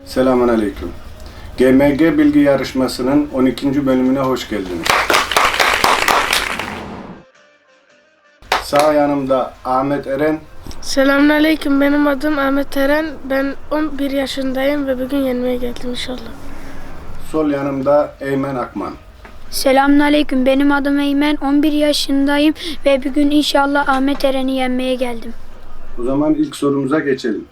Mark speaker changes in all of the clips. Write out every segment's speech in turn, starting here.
Speaker 1: Selamünaleyküm. GMG Bilgi Yarışması'nın 12. bölümüne hoş geldiniz. Sağ yanımda Ahmet Eren,
Speaker 2: Selamünaleyküm. Benim adım Ahmet Eren. Ben 11 yaşındayım ve bugün yenmeye geldim inşallah.
Speaker 1: sol yanımda Eymen Akman.
Speaker 3: Selamünaleyküm. Benim adım Eymen. 11 yaşındayım ve bugün inşallah Ahmet Eren'i yenmeye geldim.
Speaker 1: O zaman ilk sorumuza geçelim.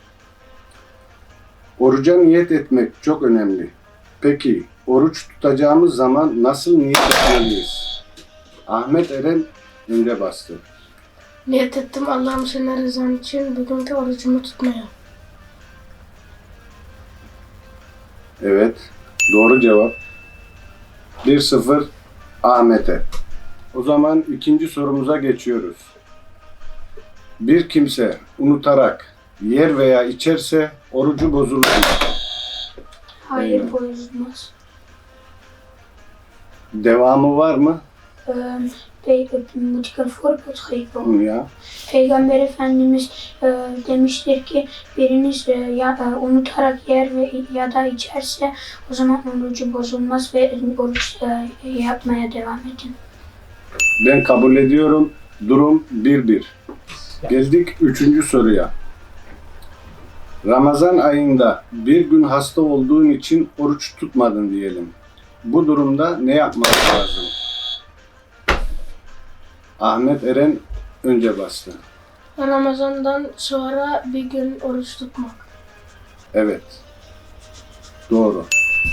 Speaker 1: Oruca niyet etmek çok önemli. Peki oruç tutacağımız zaman nasıl niyet etmeliyiz? Ahmet Eren önce bastı.
Speaker 2: Niyet ettim Allah'ım senin rızan için bugünkü orucumu tutmaya.
Speaker 1: Evet, doğru cevap. 1-0 Ahmet'e. O zaman ikinci sorumuza geçiyoruz. Bir kimse unutarak yer veya içerse orucu bozulur mu?
Speaker 3: Hayır, bozulmaz.
Speaker 1: Devamı var mı? Ya.
Speaker 3: Peygamber Efendimiz demiştir ki biriniz unutarak yer ya da içerse o zaman orucu bozulmaz ve oruç yapmaya devam edin.
Speaker 1: Ben kabul ediyorum. Durum 1-1. Geldik 3. soruya. Ramazan ayında bir gün hasta olduğun için oruç tutmadın diyelim. Bu durumda ne yapmak lazım? Ahmet Eren önce bastı.
Speaker 2: Ramazan'dan sonra bir gün oruç tutmak.
Speaker 1: Evet. Doğru.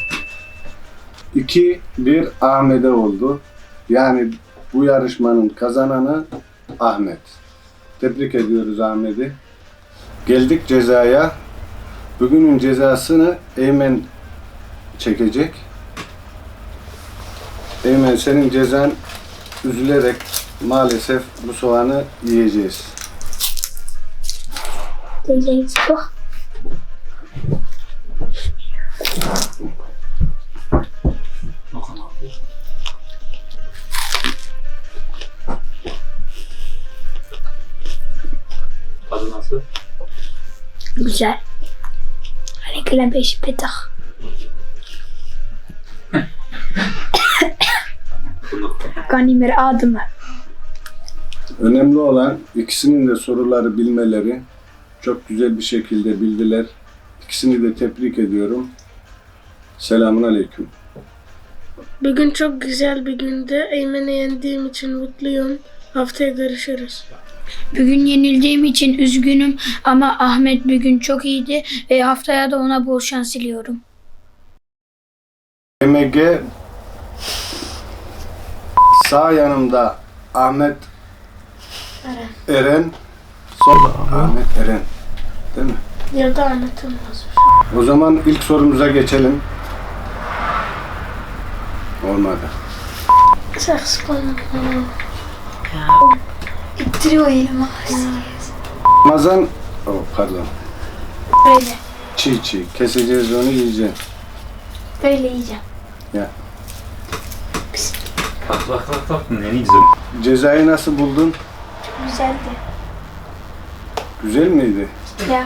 Speaker 1: 2-1 Ahmet'e oldu. Yani bu yarışmanın kazananı Ahmet. Tebrik ediyoruz Ahmet'i. Geldik cezaya. Bugünün cezasını Eymen çekecek. Eymen, senin cezan üzülerek maalesef bu soğanı yiyeceğiz.
Speaker 4: Tadı nasıl?
Speaker 3: Güzel. Avec la pêche pétard. Ganimir adımı.
Speaker 1: Önemli olan ikisinin de soruları bilmeleri. Çok güzel bir şekilde bildiler. İkisini de tebrik ediyorum. Selamünaleyküm.
Speaker 2: Bugün çok güzel bir gündü. Eymen'i yendiğim için mutluyum. Haftaya görüşürüz.
Speaker 3: Bugün yenildiğim için üzgünüm ama Ahmet bugün çok iyiydi ve haftaya da ona bol şans diliyorum.
Speaker 1: GMG sağ yanımda Ahmet Eren, sol Ahmet Eren. Değil mi?
Speaker 2: Ya da Ahmet'im yazmış.
Speaker 1: O zaman ilk sorumuza geçelim. Olmadı.
Speaker 2: Saks koymak.
Speaker 3: İttiriyor elimi.
Speaker 1: Ramazan, pardon.
Speaker 3: Böyle.
Speaker 1: Çiğ keseceğiz, onu yiyeceğiz.
Speaker 3: Böyle yiyeceğim.
Speaker 1: Ya.
Speaker 4: Bak ne güzel.
Speaker 1: Cezayı nasıl buldun?
Speaker 3: Güzeldi.
Speaker 1: Güzel miydi?
Speaker 3: Ya.